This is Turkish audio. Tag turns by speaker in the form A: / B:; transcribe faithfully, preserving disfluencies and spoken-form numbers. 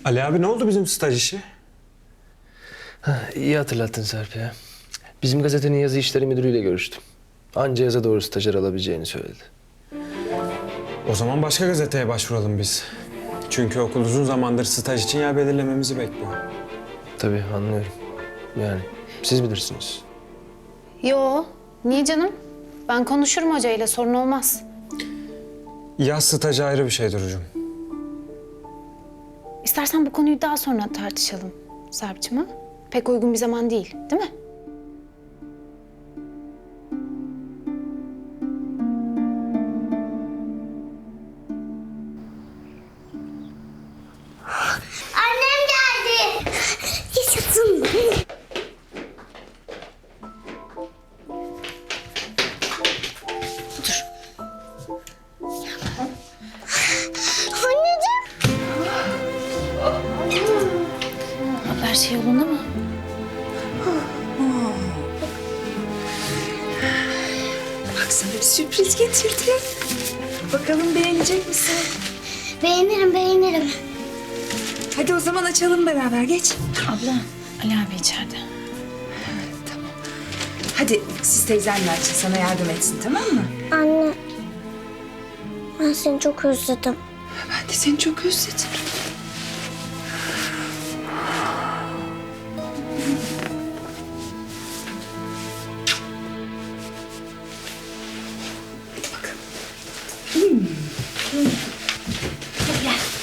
A: Ali abi ne oldu bizim staj işi?
B: Ha, iyi hatırlattın Serp ya. Bizim gazetenin yazı işleri müdürüyle görüştüm. Anca yaza doğru stajyer alabileceğini söyledi.
A: O zaman başka gazeteye başvuralım biz. Çünkü okul uzun zamandır staj için yer belirlememizi bekliyor.
B: Tabii anlıyorum. Yani siz bilirsiniz.
C: Yo, niye canım? Ben konuşurum hocayla, sorun olmaz.
A: Yaz stajı ayrı bir şey Duru'cum.
C: İstersen bu konuyu daha sonra tartışalım Serpçim, ha? Pek uygun bir zaman değil, değil mi?
D: Annem geldi. Yaşasın.
C: Dur.
D: Anneciğim.
C: Her şey yolunda mı?
E: Bak sana bir sürpriz getirdim. Bakalım beğenecek misin?
D: Beğenirim, beğenirim.
E: Hadi o zaman açalım beraber, geç.
C: Abla, Ali abi içeride.
E: Tamam. Hadi siz teyzenle açın, sana yardım etsin, tamam mı?
D: Anne. Ben seni çok özledim.
E: Ben de seni çok özledim. Hadi bakalım. Hmm. Hmm. Hadi gel.